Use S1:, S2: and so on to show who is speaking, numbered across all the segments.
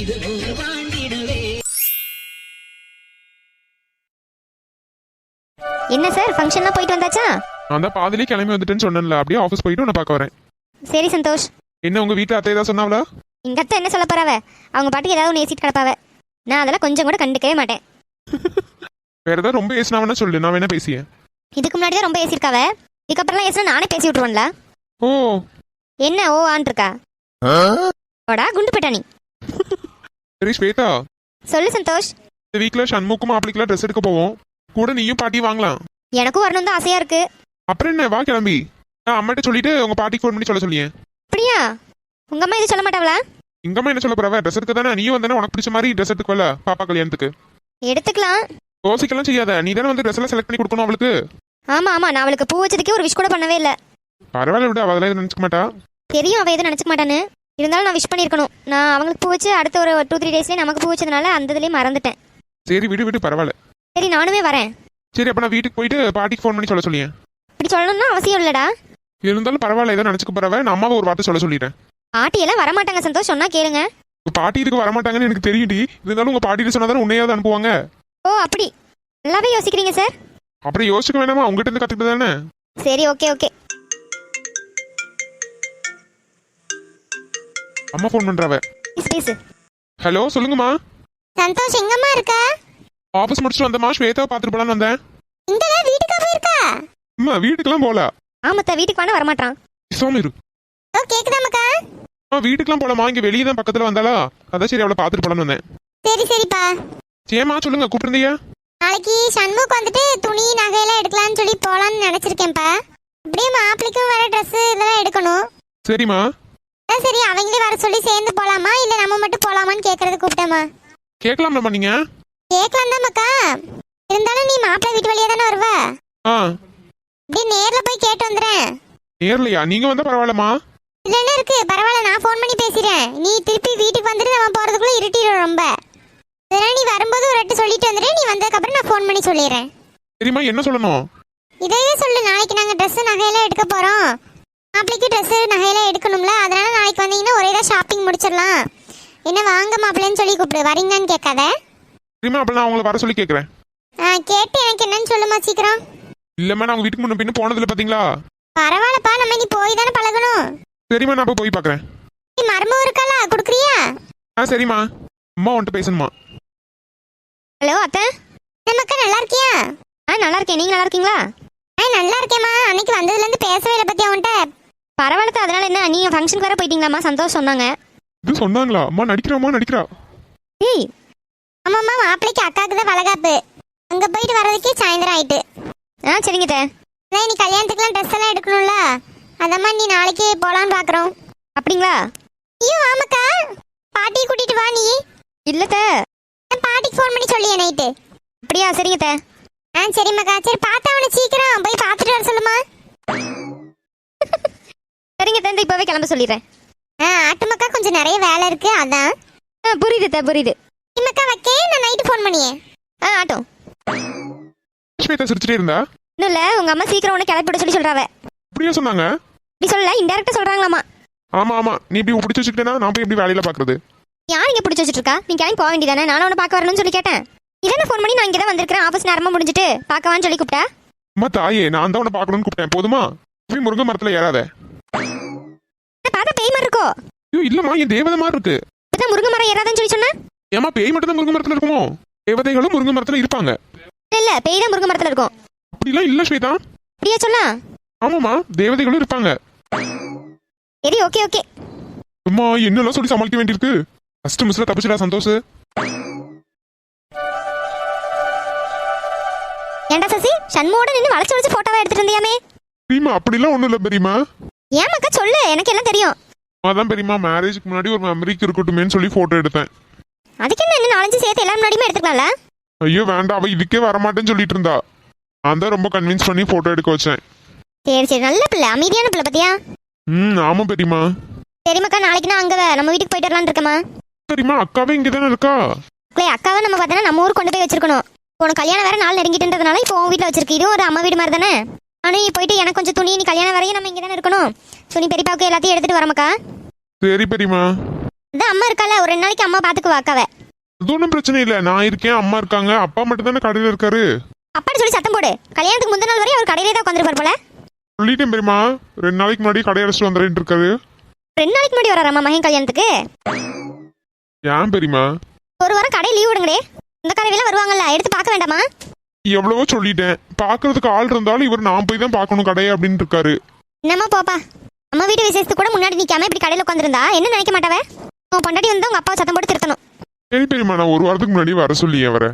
S1: என்ன சார் ஃபங்க்ஷன்லாம் போயிட்டு வந்தாச்சா?
S2: நான் தான் பாதிலே கிளம்பி வந்துட்டேன்னு சொன்னேன்ல, அப்படியே ஆஃபீஸ் போயிட்டு உன்னை பார்க்க வரேன்.
S1: சரி சந்தோஷ்.
S2: என்ன உங்க வீட்டில் அத்தை ஏதாவது சொன்னாவளா?
S1: எங்க அத்தை என்ன சொல்ல போறாவ? அவங்க பாட்டுக்கு ஏதாவது ஒன்று ஏசிட்டு கிடப்பாவ. நான் அதெல்லாம் கொஞ்சம் கூட கண்டுக்கவே மாட்டேன்.
S2: வேற ஏதாவது ரொம்ப ஏசினாவனா சொல்லு, நான் வேணா பேசியேன்.
S1: இதுக்கு முன்னாடி தான் ரொம்ப ஏசிருக்காவ, இதுக்கப்புறம்லாம் ஏசினா நானே பேசி விட்டுருவேன்ல.
S2: ஓ
S1: என்ன ஓ ஆன் இருக்கா? ஓடா குண்டு போயிட்டா நீ.
S2: சரி ஸ்வேதா,
S1: சொல்லு சந்தோஷ்.
S2: இந்த வீக்கில் சண்முக்கும் மாப்பிளைக்கெல்லாம் ட்ரெஸ் எடுக்க போவோம், கூட நீயும் பாட்டி வாங்கலாம்.
S1: எனக்கும் வரணும் தான் ஆசையா இருக்கு.
S2: அப்புறம் என்ன, வா கிளம்பி. நான் அம்மாட்ட சொல்லிட்டு உங்க பாட்டிக்கு ஃபோன் பண்ணி சொல்ல சொல்லியேன்.
S1: அப்படியா? உங்க அம்மா இது சொல்ல மாட்டாவளா?
S2: எங்க அம்மா என்ன சொல்ல போறவ? ட்ரெஸ் எடுக்க தானே நீயும் வந்தானே, உனக்கு பிடிச்ச மாதிரி ட்ரெஸ் எடுத்துக்கல பாப்பா கல்யாணத்துக்கு.
S1: எடுத்துக்கலாம்.
S2: யோசிக்கலாம் செய்யாத, நீ தானே வந்து ட்ரெஸ் எல்லாம் செலக்ட் பண்ணி கொடுக்கணும் அவளுக்கு.
S1: ஆமா ஆமா, நான் அவளுக்கு பூ வச்சதுக்கே ஒரு விஷ் கூட பண்ணவே இல்லை.
S2: பரவாயில்ல விட, அவ அதெல்லாம் நினைச்சுக்க மாட்டா.
S1: தெரியும் அவ எதுவும் நினைச்சுக்க மாட்டான்னு, இருந்தாலும் நான் விஷ் பண்ணியிருக்கணும். நான் அவங்களுக்கு பூ வச்சு அடுத்த ஒரு 2-3 டேஸ்லேயே நமக்கு பூ வச்சதுனால அந்த இதுலேயே மறந்துட்டேன்.
S2: சரி விடு விடு, பரவாயில்ல.
S1: சரி நானுமே வரேன்.
S2: சரி அப்ப நான் வீட்டுக்கு போயிட்டு பாட்டிக்கு ஃபோன் பண்ணி சொல்ல சொல்லியேன்.
S1: இப்படி சொல்லணும்னா அவசியம் இல்லடா.
S2: இருந்தாலும் பரவாயில்ல, ஏதோ நினைச்சுக்க போறவ. நான் அம்மாவை ஒரு வார்த்தை சொல்ல சொல்லிட்டேன்.
S1: பாட்டி எல்லாம் வரமாட்டாங்க சந்தோஷ், சொன்னா கேளுங்க.
S2: பாட்டி இதுக்கு வரமாட்டாங்கன்னு எனக்கு தெரியும்டி, இருந்தாலும் உங்க பாட்டிட்டு சொன்னாதான் உன்னையாவது அனுப்புவாங்க.
S1: ஓ அப்படி நல்லாவே யோசிக்கிறீங்க சார்.
S2: அப்புறம் யோசிக்க வேணாமா, உங்ககிட்ட இருந்து கத்துக்கிட்டு தானே.
S1: சரி ஓகே ஓகே.
S2: அம்மா ஃபோன் பண்றவ.
S1: பேசு.
S2: ஹலோ சொல்லுங்கம்மா.
S1: சந்தோஷ் எங்கம்மா இருக்க?
S2: ஆபீஸ் முடிச்சுட்டு வந்தம்மா, ஸ்வேதாவை பார்த்துட்டு போலான்னு வந்தேன்.
S1: இங்கதான் வீட்டுக்கு போயிருக்கா?
S2: அம்மா வீட்டுக்குலாம் போல.
S1: ஆமத்தா வீட்டுக்கு வாங்க வரமாட்டான்.
S2: சோமிரு.
S1: ஓ கேக்குதா மக்கா?
S2: வீட்டுக்குலாம் போலாமா, இங்க வெளியே தான் பக்கத்துல வந்தாளா, அதான் சரி அவளை பார்த்துட்டு போலான்னு வந்தேன்.
S1: சரி சரிப்பா.
S2: சேமா சொல்லுங்க, கூப்பிட்டுருந்தீங்க?
S1: நாளைக்கு சண்முக்கு வந்துட்டு துணி நகையெல்லாம் எடுக்கலாம்னு சொல்லி போலான்னு நினைச்சிருக்கேன்ப்பா. அப்படியே மாப்பிளைக்கும் வர ட்ரெஸ் இதெல்லாம் எடுக்கணும்.
S2: சரிம்மா.
S1: சரி அவங்களே வர சொல்லி சேர்ந்து போலாமா இல்ல நம்ம மட்டும் போலாமான்னு கேக்குறது கூப்பிட்டேம்மா.
S2: கேட்கலாம்லம்மா நீங்க?
S1: கேட்கலாம் தான் மக்கா, இருந்தாலும் நீ மாப்பிள்ளை வீட்டு வழியா தானே வருவ. அப்படியே நேர்ல போய் கேட்டு வந்துறேன்.
S2: நேர்லையா? நீங்க வந்தா பரவாயில்லம்மா.
S1: இல்ல என்ன இருக்கு, பரவாயில்ல நான் ஃபோன் பண்ணி பேசிறேன். நீ திருப்பி வீட்டுக்கு வந்துட்டு நம்ம போறதுக்குள்ள இருட்டிடும் ரொம்ப. இதெல்லாம் நீ வரும்போது ஒரு வாட்டி சொல்லிட்டு வந்துடு, நீ வந்ததுக்கு அப்புறம் நான் ஃபோன் பண்ணி சொல்லிடுறேன்.
S2: சரிம்மா, என்ன சொல்லணும்?
S1: இதையே சொல்லு, நாளைக்கு நாங்க ட்ரெஸ் நகையெல்லாம் எடுக்க போறோம். மாப்பிளைக்கு ட்ரெஸ் நகையெல்லாம் எடுக்கணும்ல, அதனால நாளைக்கு வந்தீங்கன்னா ஒரே தான் ஷாப்பிங் முடிச்சிடலாம். என்ன வாங்க மாப்பிள்ளைன்னு சொல்லி கூப்பிடு, வரீங்கன்னு கேட்காத.
S2: சரிம்மா, அப்ப நான் உங்களை வர சொல்லி கேட்கறேன்.
S1: கேட்டு எனக்கு என்னன்னு சொல்லுமா சீக்கிரம்.
S2: இல்லம்மா, நான் உங்க வீட்டுக்கு முன்ன பின்ன போனதில்ல பாத்தீங்களா.
S1: பரவாயில்லப்பா, நம்ம நீ போய் தானே பழகணும்.
S2: சரிம்மா, நான் போய் பாக்குறேன்.
S1: நீ மருமக இருக்கால குடுக்குறியா?
S2: சரிம்மா, அம்மா வந்துட்டு பேசணுமா.
S1: ஹலோ அத்தை. நமக்கா நல்லா இருக்கியா? நல்லா இருக்கேன், நீங்க நல்லா இருக்கீங்களா? நல்லா இருக்கேம்மா. அன்னைக்கு வந்ததுல இருந்து பேசவே இல்லை பத்தி அவன்கிட்ட. பரவாயில்ல, அதனால என்ன, நீங்க ஃபங்க்ஷனுக்கு வேற போயிட்டீங்களாம்மா? சந்தோஷம் சொன்னாங்க.
S2: இது சொன்னாங்களா? அம்மா நடிக்கிறா.
S1: ஏய் ஆமாம்மா, மாப்பிளைக்கு அக்காவுக்கு தான் வளகாப்பு. அங்க போயிட்டு வர்றதுக்கே சாயந்தரம் ஆயிட்டு. சரிங்க தே. நீ கல்யாணத்துக்குலாம் ட்ரெஸ் எல்லாம் எடுக்கணும்ல, அதம்மா நீ நாளைக்கு போலான்னு பாக்குறோம். அப்படிங்களா? ஐயோ ஆமாக்கா, பாட்டியை கூட்டிட்டு வா நீ. இல்ல தே, பாட்டிக்கு ஃபோன் பண்ணி சொல்லியே நைட்டு. அப்படியா? சரிங்க தே. சரிம்மாக்கா. சரி பார்த்தா அவனை சீக்கிரம் போய் பார்த்துட்டு வர சொல்லுமா. சரிங்க தே, இப்பவே கிளம்ப சொல்லிடுறேன். ஆட்டுமக்கா கொஞ்சம் நிறைய வேலை இருக்கு அதான். புரியுது தே புரியுது. இம்மக்கா வைக்கே, நான் நைட்டு ஃபோன் பண்ணியே. ஆட்டும்.
S2: ஸ்வேதா சிரிச்சிட்டே இருந்தா.
S1: இன்னும் இல்ல, உங்க அம்மா சீக்கிரம் உன்னை கிளப்பி விட சொல்லி சொல்றாவ.
S2: அப்படியே சொன்னாங்க?
S1: இப்படி சொல்லல, இன்டைரக்டா சொல்றாங்களாமா.
S2: ஆமா, நீ இப்படி பிடிச்சி வச்சுக்கிட்டேனா நான் போய் எப்படி வேலையில பாக்குறது?
S1: யார் இங்க பிடிச்சி வச்சிட்டு இருக்கா? நீ கிளம்பி போக வேண்டியதானே, நானும் உன்னை பார்க்க வரணும்னு சொல்லி கேட்டேன். இதானே ஃபோன் பண்ணி நான் இங்க தான் வந்திருக்கேன், ஆபீஸ் நேரமா முடிஞ்சிட்டு பார்க்கவான்னு சொல்லி கூப்பிட்டா.
S2: அம்மா தாயே, நான் தான் உன்னை பார்க்கணும்னு கூப்பிட்டேன், போதுமா? போய் முருங்கை மரத்துல ஏறாத.
S1: பார்த்தா பேய் மாதிரி இருக்கோ?
S2: ஐயோ இல்லம்மா, என் தேவதை மாதிரி இருக்கு.
S1: இப்பதான் முருங்கை மரம் ஏறாதன்னு சொல்லி சொன்னா.
S2: ஏமா பேய் மட்டும் தான் முருங்கை மரத்துல இருக்குமோ? தேவதைகளும் முருங்கை மரத்துல இருப்பாங்க.
S1: இல்ல, பேய் தான் முருங்கை மரத்துல இருக்கும்.
S2: அப்படிலாம் இல்ல ஸ்வேதா.
S1: அப்படியே சொல்லா?
S2: ஆமாமா, தேவதைகளும் இருப்பாங்க.
S1: சரி ஓகே ஓகே.
S2: அம்மா என்னெல்லாம் சொல்லி சமாளிக்க வேண்டியிருக்கு. ஃபர்ஸ்ட் மிஸ்ல தப்பிச்சுடா சந்தோஷ்.
S1: ஏண்டா சசி, சண்முகோட நின்னு வளைச்சு வளைச்சு போட்டோவா எடுத்துட்டு இருந்தியாமே?
S2: பெரியமா அப்படிலாம் ஒண்ணும் இல்ல பெரியமா.
S1: ஏன் மக்கா சொல்லு, எனக்கு எல்லாம் தெரியும்.
S2: அதான் பெரியமா, மேரேஜ்க்கு முன்னாடி ஒரு மெமரிக்கு இருக்கட்டுமேன்னு சொல்லி போட்டோ எடுத்தேன்.
S1: அதுக்கு என்ன 4-5 சேர்த்து எல்லாம் முன்னாடியுமே எடுத்துக்கலாம்ல?
S2: ஐயோ வேண்டாம், அவ இதுக்கே வரமாட்டேன்னு சொல்லிட்டு இருந்தா. நான் தான் ரொம்ப கன்வின்ஸ் பண்ணி போட்டோ எடுக்க வச்சேன்.
S1: சரி நல்ல பிள்ளை, அமைதியான பிள்ளை பத்தியா.
S2: ஆமா பெரியமா.
S1: சரி மக்கா, நாளைக்கு நான் அங்க நம்ம வீட்டுக்கு போயிட்டு வரலான்னு இருக்கமா.
S2: சரிம்மா, அக்காவே இங்கதானே இருக்கா.
S1: அக்காவை நம்ம பார்த்தா நம்ம ஊருக்கு கொண்டு போய் வச்சிருக்கணும். உனக்கு கல்யாணம் வேற நாள் நெருங்கிட்டுன்றதுனால இப்போ உன் வீட்டில் வச்சிருக்கு. இதுவும் ஒரு அம்மா வீடு மாதிரி தானே. ஆனால் நீ போயிட்டு எனக்கு கொஞ்சம் துணி, நீ கல்யாணம் வரையும் நம்ம இங்கே தானே இருக்கணும். துணி பெரியப்பாவுக்கு எல்லாத்தையும் எடுத்துட்டு வரமாக்கா.
S2: சரி பெரியமா.
S1: அதான் அம்மா இருக்கால, ஒரு 2 நாளைக்கு அம்மா பாத்துக்குவா அக்காவை.
S2: அது ஒன்றும் பிரச்சனை இல்லை, நான் இருக்கேன், அம்மா இருக்காங்க, அப்பா மட்டும் தானே கடையில் இருக்காரு.
S1: அப்பான்னு சொல்லி சத்தம் போடு. கல்யாணத்துக்கு முந்தின நாள் வரையும் அவர் கடையிலே தான் உட்காந்துருப்பார் போல.
S2: சொல்லிட்டேன் பெரியமா, 2 நாளைக்கு முன்னாடி கடையை அடைச்சிட்டு வந்துடுறேன் இருக்காரு.
S1: 2 நாளைக்கு முன்னாடி வராராமா மகன் கல்யாணத்துக்கு?
S2: ஏன் பெரியமா?
S1: ஒரு வாரம் கடை லீவ் விடுங்களே. இந்த கடையில வருவாங்கல்ல, எடுத்து பார்க்க வேண்டாமா?
S2: எவ்வளவோ சொல்லிட்டேன், பாக்குறதுக்கு ஆள் இருந்தாலும் இவர் நான் போய் தான் பார்க்கணும் கடையை அப்படின்னு இருக்காரு.
S1: என்னம்மா போப்பா. அம்மா வீட்டு விசேஷத்துக்கு கூட முன்னாடி நிக்காம இப்படி கடையில உட்காந்துருந்தா என்ன நினைக்க மாட்டாவே? உன் பொண்டாட்டி வந்து உங்க அப்பாவை சத்தம் போட்டு திருத்தணும்.
S2: சரி பெரியமா, நான் ஒரு வாரத்துக்கு முன்னாடி வர சொல்லி அவரை.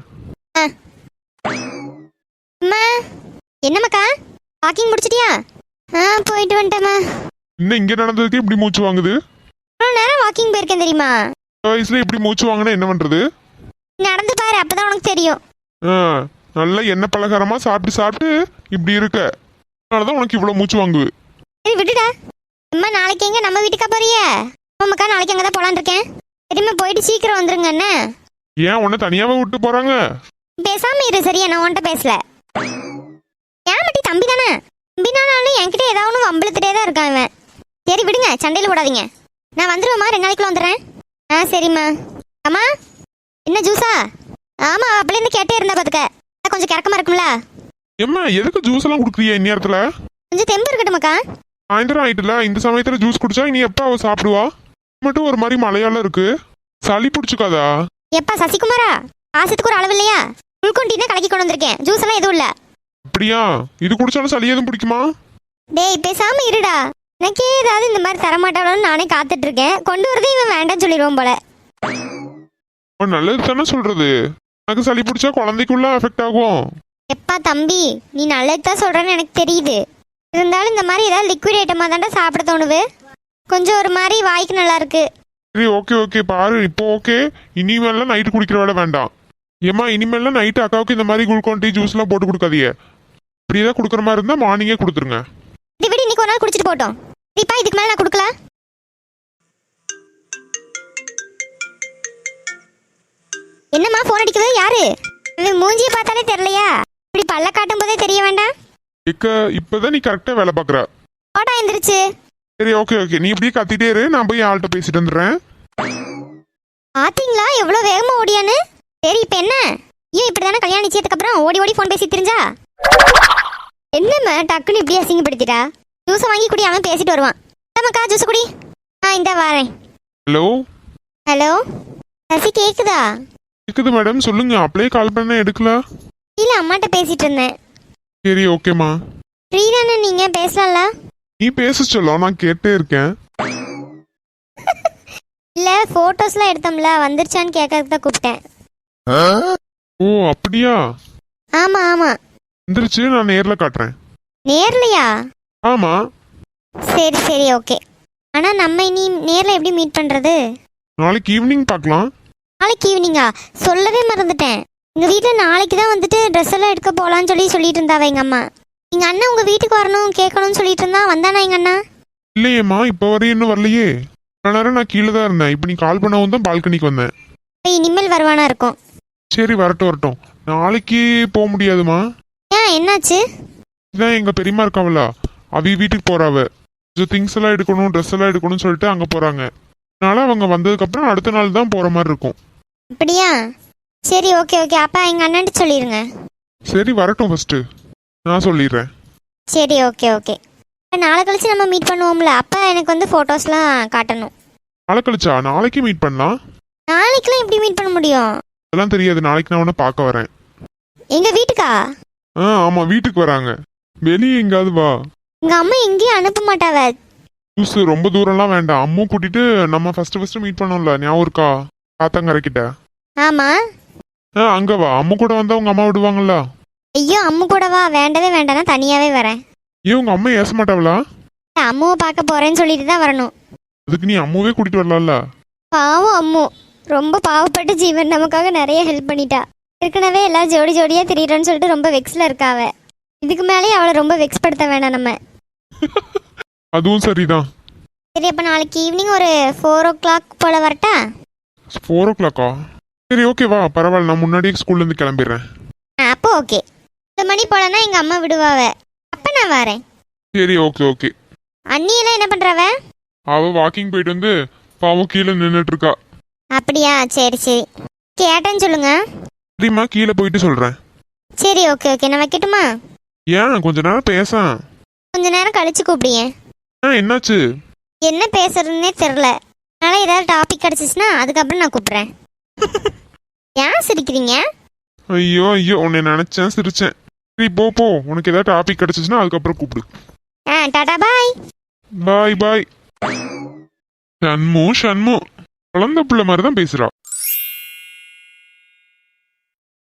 S1: அம்மா என்னம்மாக்கா, வாக்கிங் முடிச்சிட்டியா? போயிட்டு வந்துட்டேம்மா.
S2: இன்னும் இங்க நடந்ததுக்கு இப்படி மூச்சு வாங்குது?
S1: இவ்வளோ நேரம் வாக்கிங் போயிருக்கேன் தெரியுமா?
S2: வயசுல இப்படி மூச்சு வாங்கினா என்ன பண்றது?
S1: நடந்து பாரு, அப்பதான் உனக்கு தெரியும்.
S2: நல்லா எண்ணெய் பலகாரமா சாப்பிட்டு சாப்பிட்டு இப்படி இருக்க, அதனாலதான் உனக்கு இவ்வளவு மூச்சு வாங்குது.
S1: சரி விட்டுடா. அம்மா நாளைக்கு எங்க நம்ம வீட்டுக்கா போறிய? அம்மாக்கா நாளைக்கு அங்கதான் போலான்னு இருக்கேன். சரிம்மா போயிட்டு சீக்கிரம் வந்துருங்க. என்ன
S2: ஏன் உன்னை தனியாவே விட்டு போறாங்க?
S1: பேசாம இரு சரியா, நான் உன்கிட்ட பேசல. ஏன் மட்டி தம்பி தானே, தம்பினாலும் என்கிட்ட ஏதாவது ஒன்று வம்பளத்துட்டே தான் இருக்கான் இவன். சரி விடுங்க, சண்டையில் விடாதீங்க. நான் வந்துடுவேம்மா, 2 நாளைக்குள்ள வந்துடுறேன். சரிம்மா. அம்மா என்ன ஜூஸா? ஆமா அப்படிலேருந்து கேட்டே இருந்தா பாத்துக்க, கொஞ்சம் கிறக்கமா இருக்கும்ல.
S2: ஏம்மா எதுக்கு ஜூஸ் எல்லாம் குடுக்குறிய இந்நேரத்துல?
S1: கொஞ்சம் தெம்பு இருக்கட்டுமாக்கா.
S2: சாயந்தரம் ஆயிட்டுல, இந்த சமயத்துல ஜூஸ் குடிச்சா இனி எப்ப அவ சாப்பிடுவா? மட்டும் ஒரு மாதிரி மழையால இருக்கு, சளி பிடிச்சுக்காதா?
S1: எப்பா சசிகுமாரா, ஆசத்துக்கு ஒரு அளவு இல்லையா? உள்கொண்டினா கலக்கி கொண்டு வந்திருக்கேன், ஜூஸ் எல்லாம் எதுவும் இல்ல.
S2: அப்படியா? இது குடிச்சாலும் சளி எதுவும் பிடிக்குமா?
S1: டேய் பேசாம இருடா, எனக்கே ஏதாவது இந்த மாதிரி தரமாட்டாளோன்னு நானே காத்துட்டு இருக்கேன். கொண்டு வரதே இவன் வேண்டாம்னு சொல்லிடுவோம் போல.
S2: நல்லது தானே சொல்றது, எனக்கு சளி பிடிச்சா குழந்தைக்குள்ள எஃபெக்ட் ஆகும்.
S1: எப்பா தம்பி, நீ நல்லது தான் சொல்றேன்னு எனக்கு தெரியுது. இருந்தாலும் இந்த மாதிரி ஏதாவது லிக்விட் ஐட்டமா தாண்டா சாப்பிட தோணுது. கொஞ்சம் ஒரு மாதிரி வாய்க்கு நல்லா இருக்கு.
S2: சரி ஓகே ஓகே பாரு, இப்போ ஓகே. இனிமேலாம் நைட்டு குடிக்கிற வேலை வேண்டாம். ஏம்மா இனிமேலாம் நைட்டு அக்காவுக்கு இந்த மாதிரி குளுக்கோன் டீ ஜூஸ்லாம் போட்டு கொடுக்காதீங்க. இப்படிதான் கொடுக்குற மாதிரி இருந்தா மார்னிங்கே கொடுத்துருங்க.
S1: இது விட இன்னைக்கு ஒரு நாள் குடிச்சிட்டு போட்டோம். சரிப்பா, இதுக்கு மேலே நான் கொடுக்கல. என்னம்மா போன் அடிக்கிறது யாரு? மூஞ்சியை பார்த்தாலே தெரியலையா? இப்படி பல்ல காட்டும் போதே தெரிய வேண்டாம்.
S2: இப்பதான் நீ கரெக்டா வேலை பாக்குற.
S1: ஓடா எந்திரிச்சு.
S2: சரி ஓகே ஓகே, நீ இப்படியே கத்திட்டே இரு, நான் போய் ஆள்கிட்ட பேசிட்டு வந்துடுறேன்.
S1: பாத்தீங்களா எவ்வளவு வேகமா ஓடியான்னு? சரி இப்ப என்ன, ஏன் இப்படிதானே கல்யாணம் நிச்சயத்துக்கு அப்புறம் ஓடி ஓடி போன் பேசி தெரிஞ்சா? என்னம்மா டக்குன்னு இப்படி அசிங்கப்படுத்திட்டா? ஜூஸை வாங்கி குடி, அவன் பேசிட்டு வருவான். நமக்கா ஜூஸ் குடி. இந்த வாரேன்.
S2: ஹலோ
S1: ஹலோ சசி, கேக்குதா?
S2: கேக்குது மேடம், சொல்லுங்க. அப்படியே கால் பண்ண எடுக்கல.
S1: இல்ல அம்மாட்ட பேசிட்டு இருந்தேன்.
S2: சரி ஓகேம்மா.
S1: ஃப்ரீ தானே நீங்க, பேசலாம்ல?
S2: நீ பேச சொல்ல, நான் கேட்டே இருக்கேன்.
S1: இல்ல போட்டோஸ்லாம் எடுத்தோம்ல, வந்துருச்சான்னு கேட்கறதுக்கு தான் கூப்பிட்டேன்.
S2: ஓ அப்படியா?
S1: ஆமா ஆமா
S2: வந்துருச்சு, நான் நேர்ல காட்டுறேன்.
S1: நேர்லையா?
S2: ஆமா.
S1: சரி சரி ஓகே. ஆனா நம்ம இனி நேர்ல எப்படி மீட் பண்றது?
S2: நாளைக்கு ஈவினிங் பார்க்கலாம்.
S1: நாளைக்கு ஈவினிங்கா? சொல்லவே மறந்துட்டேன். எங்க வீட்டுல நாளைக்கு தான் வந்துட்டு ட்ரெஸ் எல்லாம் எடுக்க போலான்னு சொல்லிட்டு இருந்தாவ எங்க அம்மா. எங்க அண்ணன் உங்க வீட்டுக்கு வரணும் கேட்கணும்னு சொல்லிட்டு இருந்தா, வந்தானா எங்க அண்ணா?
S2: இல்லையேம்மா, இப்போ வரையும் இன்னும் வரலையே. இவ்வளவு நேரம் நான் கீழே தான் இருந்தேன், இப்போ நீ கால் பண்ணவும் தான் பால்கனிக்கு வந்தேன்.
S1: இனிமேல் வருவானா இருக்கும்.
S2: சரி வரட்டும் வரட்டும். நாளைக்கு போக முடியாதுமா.
S1: ஏன் என்னாச்சு?
S2: இதான் எங்க பெரியம்மா இருக்காவல, அவ வீட்டுக்கு போறாவ. கொஞ்சம் திங்ஸ் எல்லாம் எடுக்கணும், ட்ரெஸ் எல்லாம் எடுக்கணும்னு சொல்லிட்டு அங்க போறாங்க. அதனால அவங்க வந்ததுக்கு அப்புறம் அடுத்த நாள் தான் போற மாதிரி இருக்கும்.
S1: அப்படியா? சரி ஓகே ஓகே, அப்பா எங்க அண்ணன்ட்டு சொல்லிருங்க.
S2: சரி வரட்டும், ஃபர்ஸ்ட் நான் சொல்லிடுறேன்.
S1: சரி ஓகே ஓகே. நாளை கழிச்சு நம்ம மீட் பண்ணுவோம்ல, அப்பா எனக்கு வந்து போட்டோஸ்லாம் காட்டணும்.
S2: நாளை கழிச்சா? நாளைக்கு மீட் பண்ணலாம்.
S1: நாளைக்குலாம் எப்படி மீட் பண்ண முடியும்?
S2: அதெல்லாம் தெரியாது, நாளைக்கு நான் உன்னை பார்க்க வரேன்.
S1: எங்க வீட்டுக்கா?
S2: ஆமா வீட்டுக்கு வராங்க. வெளியே எங்காவது வா.
S1: எங்க அம்மா எங்கேயும் அனுப்ப மாட்டாவ.
S2: ஜூஸ் ரொம்ப தூரம்லாம் வேண்டாம், அம்மும் கூட்டிட்டு நம்ம ஃபர்ஸ்ட் மீட் பண்ணோம்ல, ஞாபகம் இருக்கா? காத்தங்கரைக்கிட்ட.
S1: ஆமா.
S2: அங்க வா, அம்மு கூட வந்தா உங்க அம்மா விடுவாங்கல்ல.
S1: ஐயோ அம்மு கூடவா? வேண்டவே வேண்டாம், நான் தனியாவே வரேன்.
S2: ஏன் உங்க அம்மா ஏச மாட்டாவளா?
S1: அம்முவை பார்க்க போறேன்னு சொல்லிட்டு தான் வரணும்.
S2: அதுக்கு நீ அம்முவே கூட்டிட்டு வரலாம்ல.
S1: பாவம் அம்மு, ரொம்ப பாவப்பட்ட ஜீவன், நமக்காக நிறைய ஹெல்ப் பண்ணிட்டா. ஏற்கனவே எல்லாம் ஜோடி ஜோடியா திரியறோன்னு சொல்லிட்டு ரொம்ப வெக்ஸ்ல இருக்காவ. இதுக்கு மேலேயே அவளை ரொம்ப வெக்ஸ் படுத்த வேணாம் நம்ம.
S2: அதுவும் சரிதான்.
S1: சரி அப்ப நாளைக்கு ஈவினிங் ஒரு 4 o'clock போல வரட்டா?
S2: 4 o'clock-ஆ? சரி ஓகே வா, பரவாயில்ல, நான் முன்னாடியே ஸ்கூல்ல இருந்து கிளம்பிடுறேன்.
S1: அப்போ ஓகே. 2 மணி போலனா எங்க அம்மா விடுவாவ, அப்ப நான் வரேன்.
S2: சரி ஓகே ஓகே.
S1: அண்ணி எல்லாம் என்ன பண்றாவ?
S2: அவ வாக்கிங் போயிட்டு வந்து பாவம் கீழே நின்றுட்டு இருக்கா.
S1: அப்படியா, சரி சரி. கேட்டேன்னு சொல்லுங்க.
S2: சரிம்மா, கீழே போயிட்டு சொல்றேன்.
S1: சரி, ஓகே ஓகே, நான் வைக்கட்டுமா?
S2: ஏன் கொஞ்ச நேரம் பேசான்.
S1: கொஞ்ச நேரம் கழிச்சு கூப்பிடுங்க.
S2: என்னாச்சு?
S1: என்ன பேசுறதுன்னே தெரில. அதனால ஏதாவது டாபிக் கிடச்சிச்சுன்னா அதுக்கப்புறம் நான் கூப்பிட்றேன். ஏன் சிரிக்கிறீங்க?
S2: ஐயோ ஐயோ, உன்னை நினைச்சேன் சிரிச்சேன். சரி போ போ, உனக்கு ஏதாவது டாபிக் கிடைச்சிச்சுன்னா அதுக்கப்புறம் கூப்பிடு.
S1: டாடா பாய்.
S2: பாய் பாய். ஷண்மு ஷண்மு குழந்தை பிள்ளை மாதிரி தான் பேசுறா.